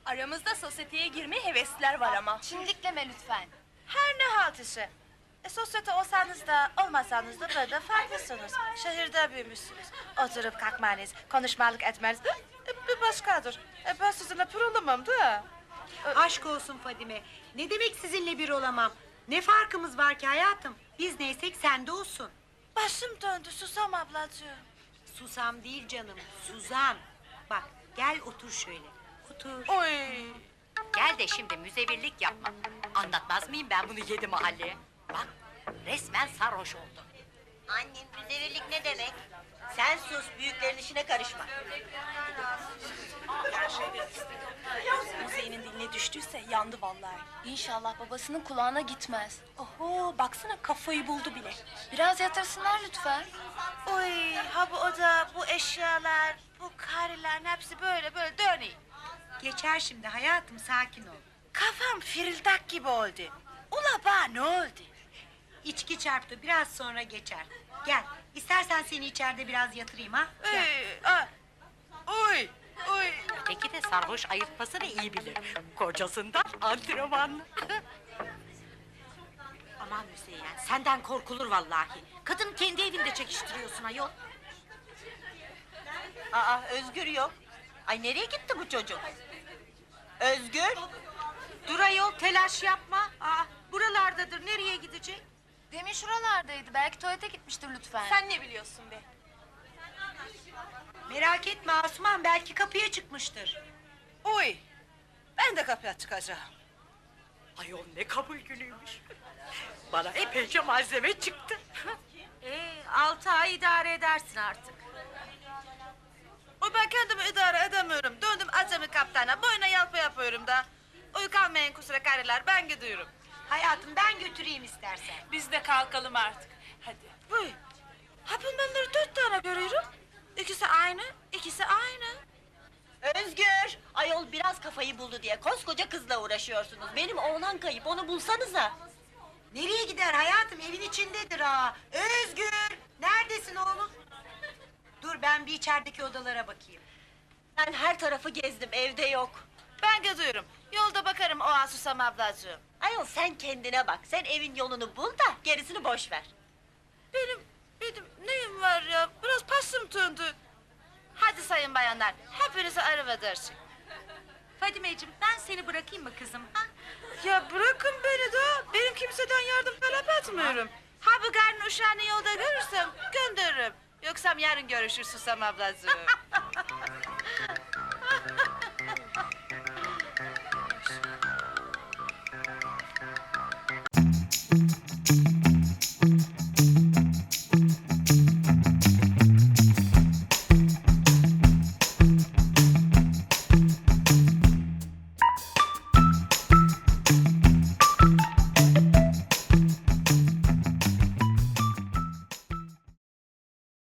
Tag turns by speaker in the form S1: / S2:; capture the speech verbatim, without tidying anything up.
S1: Aramızda sosyeteye girmeye hevesliler var ama.
S2: Çimdikleme lütfen.
S3: Her ne halt ise. E, sosyete olsanız da olmasanız da böyle farklısınız. Şehirde büyümüşsünüz. Oturup kalkmanız, konuşmalık etmeniz e, bir başkadır. E, ben sizinle bir olamam da.
S4: Aşk olsun Fadime. Ne demek sizinle bir olamam? Ne farkımız var ki hayatım? Biz neysek sen de olsun.
S3: Başım döndü Susam ablacığım.
S4: Susam değil canım, Suzan. Bak gel otur şöyle. Otur.
S3: Oy.
S5: Gel de şimdi müzevirlik yapma. Anlatmaz mıyım ben bunu yedi mahalleye? Bak, resmen sarhoş oldu.
S6: Annem müzevirlik ne demek? Sen sus, büyüklerin işine karışma.
S1: Müzeyinin diline düştüyse yandı vallahi.
S2: İnşallah babasının kulağına gitmez.
S1: Oho, baksana kafayı buldu bile.
S2: Biraz yatırsınlar lütfen.
S3: Oy, ha bu oda, bu eşyalar, bu karelerin hepsi böyle böyle dönüyor.
S4: Geçer şimdi hayatım, sakin ol.
S3: Kafam firildak gibi oldu. Ula bana ne oldu?
S4: İçki çarptı, biraz sonra geçer. Gel, istersen seni içeride biraz yatırayım ha. Gel.
S3: Oy, ah, oy, oy.
S5: Öteki de sarhoş ayırtmasını iyi bilir. Kocasından antrenmanlı.
S6: Aman Müzeyyen, senden korkulur vallahi. Kadın kendi evinde çekiştiriyorsun ayol. Aa, Özgür yok. Ay nereye gitti bu çocuk? Özgür? Dur ayol, telaş yapma. Aa, buralardadır, nereye gidecek?
S2: Demin şuralardaydı. Belki tuvalete gitmiştir lütfen.
S1: Sen ne biliyorsun be?
S4: Merak etme Asuman, belki kapıya çıkmıştır.
S3: Oy, ben de kapıya çıkacağım.
S5: Ayol ne kabul günüymüş. Bana epeyce malzeme çıktı.
S6: Ee, altı ay idare edersin artık.
S3: Oy ben kendimi idare edemiyorum. Döndüm acemi kaptana, boyuna yalpa yapıyorum da. Oy kalmayın kusura kareler, ben gidiyorum.
S4: Hayatım ben götüreyim istersen.
S1: Biz de kalkalım artık. Hadi.
S3: Oy, ha bunları dört tane görüyorum. İkisi aynı, ikisi aynı.
S6: Özgür! Ayol biraz kafayı buldu diye koskoca kızla uğraşıyorsunuz. Benim oğlan kayıp, onu bulsanıza.
S4: Nereye gider hayatım, evin içindedir ha. Özgür, neredesin oğlum? Dur ben bir içerideki odalara bakayım.
S6: Ben her tarafı gezdim, evde yok.
S3: Ben gidiyorum. Yolda bakarım o an Susam ablacığım.
S6: Ayol sen kendine bak, sen evin yolunu bul da gerisini boş ver.
S3: Benim, benim neyim var ya? Biraz pasım döndü. Hadi sayın bayanlar, hepinize arrivederci.
S5: Fadimeciğim ben seni bırakayım mı kızım? Ha?
S3: Ya bırakın beni de, benim kimseden yardım talep etmiyorum. Ha bu garın uşağını yolda görürsem gönderirim. Yoksa yarın görüşür Susam ablacığım.